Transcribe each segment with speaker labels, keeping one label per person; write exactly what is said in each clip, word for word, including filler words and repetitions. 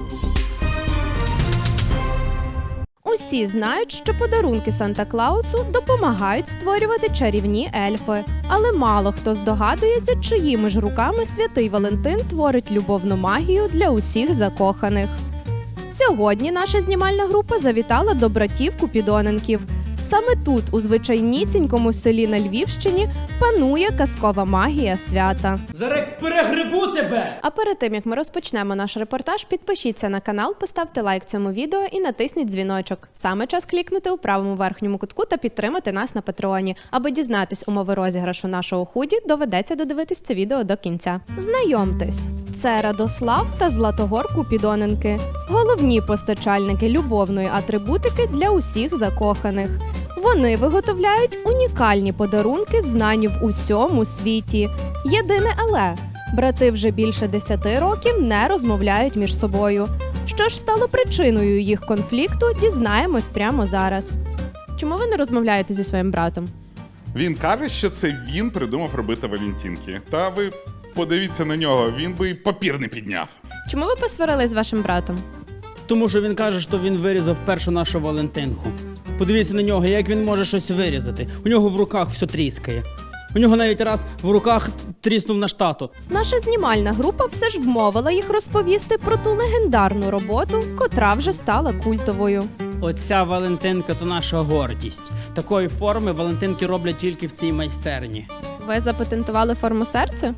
Speaker 1: Усі знають, що подарунки Санта-Клаусу допомагають створювати чарівні ельфи. Але мало хто здогадується, чиїми ж руками святий Валентин творить любовну магію для усіх закоханих. Сьогодні наша знімальна група завітала до братів Купідоненків. Саме тут, у звичайнісінькому селі на Львівщині, панує казкова магія свята.
Speaker 2: Зараз перегрибу тебе!
Speaker 1: А перед тим, як ми розпочнемо наш репортаж, підпишіться на канал, поставте лайк цьому відео і натисніть дзвіночок. Саме час клікнути у правому верхньому кутку та підтримати нас на Патреоні. Аби дізнатись умови розіграшу нашого худі, доведеться додивитись це відео до кінця. Знайомтесь, це Радослав та Златогор Купідоненки. Головні постачальники любовної атрибутики для усіх закоханих. Вони виготовляють унікальні подарунки, знані в усьому світі. Єдине але – брати вже більше десяти років не розмовляють між собою. Що ж стало причиною їх конфлікту, дізнаємось прямо зараз. Чому ви не розмовляєте зі своїм братом?
Speaker 3: Він каже, що це він придумав робити валентинки. Та ви подивіться на нього, він би й папір не підняв.
Speaker 1: Чому ви посварились з вашим братом?
Speaker 2: Тому що він каже, що він вирізав першу нашу Валентинку. Подивіться на нього, як він може щось вирізати. У нього в руках все тріскає. У нього навіть раз в руках тріснув наш тато.
Speaker 1: Наша знімальна група все ж вмовила їх розповісти про ту легендарну роботу, котра вже стала культовою.
Speaker 2: Оця Валентинка – то наша гордість. Такої форми Валентинки роблять тільки в цій майстерні.
Speaker 1: Ви запатентували форму серця?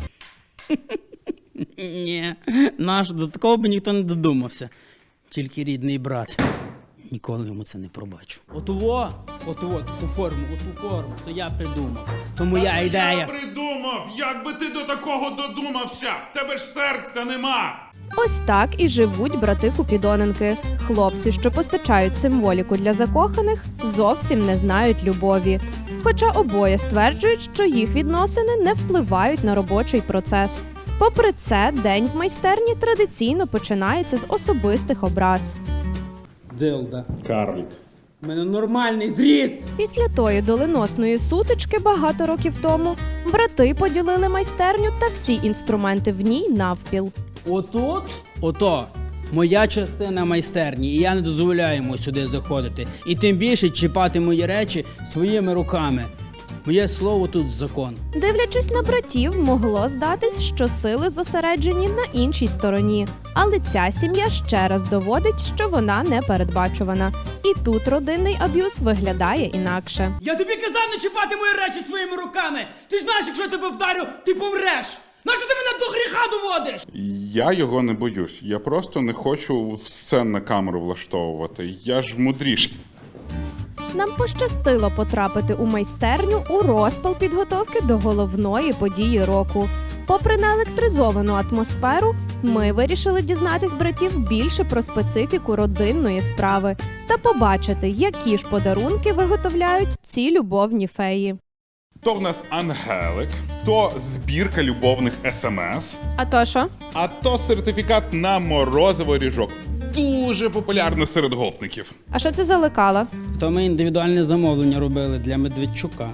Speaker 2: Ні, наш, до такого б ніхто не додумався. Тільки рідний брат. Ніколи йому це не пробачу. Отуво, отуво, ту форму, оту форму, то я придумав. То моя ідея.
Speaker 3: Я придумав! Як би ти до такого додумався? В тебе ж серця нема!
Speaker 1: Ось так і живуть брати Купідоненки. Хлопці, що постачають символіку для закоханих, зовсім не знають любові. Хоча обоє стверджують, що їх відносини не впливають на робочий процес. Попри це, день в майстерні традиційно починається з особистих образ.
Speaker 2: Дилда.
Speaker 3: Карлік.
Speaker 2: У мене нормальний зріст.
Speaker 1: Після тої доленосної сутички багато років тому брати поділили майстерню та всі інструменти в ній навпіл.
Speaker 2: Отут? Ото. Моя частина майстерні, і я не дозволяю йому сюди заходити. І тим більше чіпати мої речі своїми руками. Моє слово тут закон.
Speaker 1: Дивлячись на братів, могло здатись, що сили зосереджені на іншій стороні. Але ця сім'я ще раз доводить, що вона не передбачувана. І тут родинний аб'юз виглядає інакше.
Speaker 2: Я тобі казав не чіпати мої речі своїми руками! Ти ж знаєш, якщо я тебе вдарю, ти помреш! Нащо ти мене до гріха доводиш?
Speaker 3: Я його не боюсь. Я просто не хочу все на камеру влаштовувати. Я ж мудріший.
Speaker 1: Нам пощастило потрапити у майстерню у розпал підготовки до головної події року. Попри неелектризовану атмосферу, ми вирішили дізнатись братів більше про специфіку родинної справи та побачити, які ж подарунки виготовляють ці любовні феї.
Speaker 3: То в нас Ангелик, то збірка любовних смс,
Speaker 1: А то що?
Speaker 3: а то сертифікат на морозиво ріжок. Дуже популярно серед гопників.
Speaker 1: А що це за лекала?
Speaker 2: То ми індивідуальне замовлення робили для Медведчука.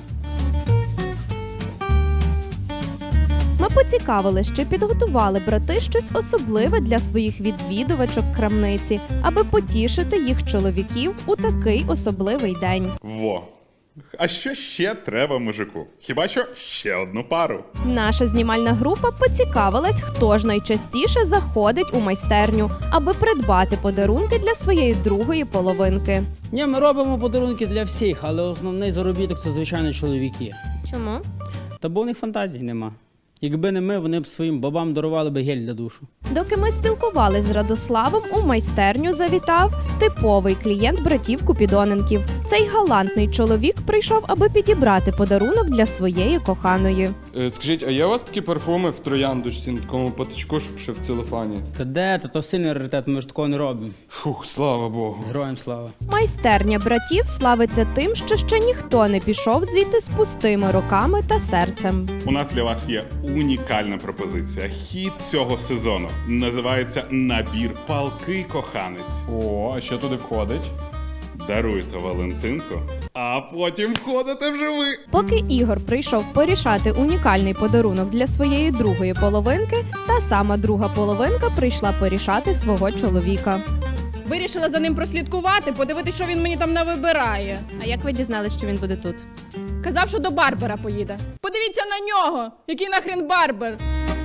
Speaker 1: Ми поцікавились, чи підготували брати щось особливе для своїх відвідувачок крамниці, аби потішити їх чоловіків у такий особливий день.
Speaker 3: Во. А що ще треба мужику? Хіба що ще одну пару.
Speaker 1: Наша знімальна група поцікавилась, хто ж найчастіше заходить у майстерню, аби придбати подарунки для своєї другої половинки.
Speaker 2: Ні, ми робимо подарунки для всіх, але основний заробіток – це, звичайно, чоловіки.
Speaker 1: Чому?
Speaker 2: Та бо в них фантазій нема. Якби не ми, вони б своїм бабам дарували би гель для душу.
Speaker 1: Доки ми спілкувались з Радославом, у майстерню завітав типовий клієнт братів Купідоненків. Цей галантний чоловік прийшов, аби підібрати подарунок для своєї коханої.
Speaker 4: Е, Скажіть, а є у вас такі парфуми в трояндочці на такому патичку, щоб ще в целофані?
Speaker 2: Та де? Та то сильний раритет, ми ж такого не робимо.
Speaker 4: Фух, слава Богу.
Speaker 2: Героям слава.
Speaker 1: Майстерня братів славиться тим, що ще ніхто не пішов звідти з пустими руками та серцем.
Speaker 3: У нас для вас є унікальна пропозиція. Хіт цього сезону. Називається «Набір палкий коханець».
Speaker 4: О, а що туди входить?
Speaker 3: даруєте Валентинку, а потім ходите вже ви.
Speaker 1: Поки Ігор прийшов порішати унікальний подарунок для своєї другої половинки, та сама друга половинка прийшла порішати свого чоловіка.
Speaker 5: Вирішила за ним прослідкувати, подивитися, що він мені там навибирає.
Speaker 1: А як ви дізналися, що він буде тут?
Speaker 5: Казав, що до Барбера поїде. Подивіться на нього! Який нахрен Барбер?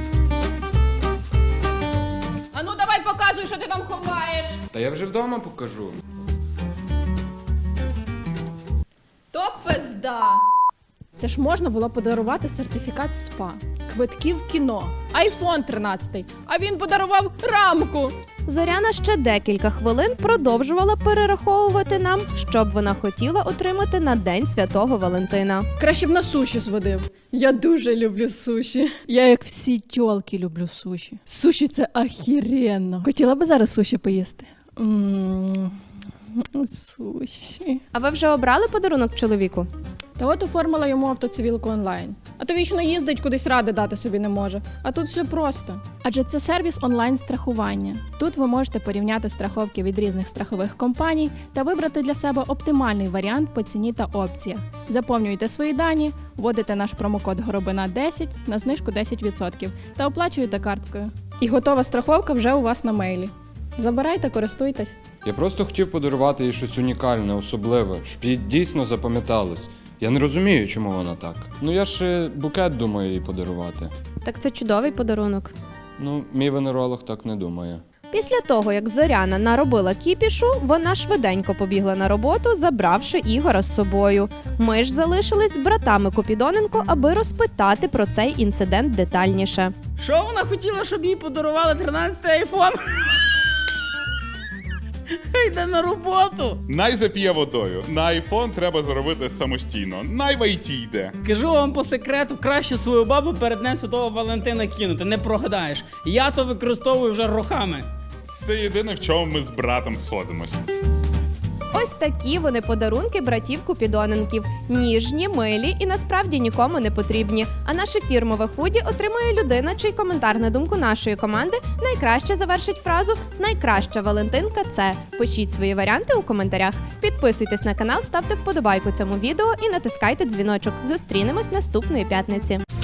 Speaker 5: А ну давай показуй, що ти там ховаєш.
Speaker 4: Та я вже вдома покажу.
Speaker 5: То пизда. Це ж можна було подарувати сертифікат СПА, квитки в кіно, айфон тринадцятий, а він подарував рамку.
Speaker 1: Зоряна ще декілька хвилин продовжувала перераховувати нам, що б вона хотіла отримати на День Святого Валентина.
Speaker 5: Краще б на суші зводив. Я дуже люблю суші. Я, як всі тьолки, люблю суші. Суші – це ахіренно. Хотіла би зараз суші поїсти? Ммм, суші.
Speaker 1: А ви вже обрали подарунок чоловіку?
Speaker 5: Та от оформила йому автоцивілку онлайн. А то вічно їздить, кудись ради дати собі не може. А тут все просто. Адже це сервіс онлайн-страхування. Тут ви можете порівняти страховки від різних страхових компаній та вибрати для себе оптимальний варіант по ціні та опціях. Заповнюйте свої дані, вводите наш промокод Горобина десять на знижку десять відсотків та оплачуєте карткою. І готова страховка вже у вас на мейлі. Забирайте, користуйтесь.
Speaker 4: Я просто хотів подарувати їй щось унікальне, особливе, щоб їй дійсно запам'яталось. Я не розумію, чому вона так. Ну я ж букет думаю їй подарувати.
Speaker 1: Так це чудовий подарунок.
Speaker 4: Ну, мій венеролог так не думає.
Speaker 1: Після того, як Зоряна наробила кіпішу, вона швиденько побігла на роботу, забравши Ігора з собою. Ми ж залишились з братами Купідоненко, аби розпитати про цей інцидент детальніше.
Speaker 2: Що вона хотіла, щоб їй подарували тринадцятий айфон? Хай йде на роботу.
Speaker 3: Най зап'є водою. На айфон треба зробити самостійно. Най в ай ті йде.
Speaker 2: Кажу вам по секрету, краще свою бабу перед Днем Святого Валентина кинути, не прогадаєш. Я то використовую вже роками.
Speaker 3: Це єдине, в чому ми з братом сходимось.
Speaker 1: Ось такі вони подарунки братів Купідоненків. Ніжні, милі і насправді нікому не потрібні. А наше фірмове худі отримує людина, чий коментар на думку нашої команди найкраще завершить фразу «Найкраща Валентинка – це». Пишіть свої варіанти у коментарях. Підписуйтесь на канал, ставте вподобайку цьому відео і натискайте дзвіночок. Зустрінемось наступної п'ятниці.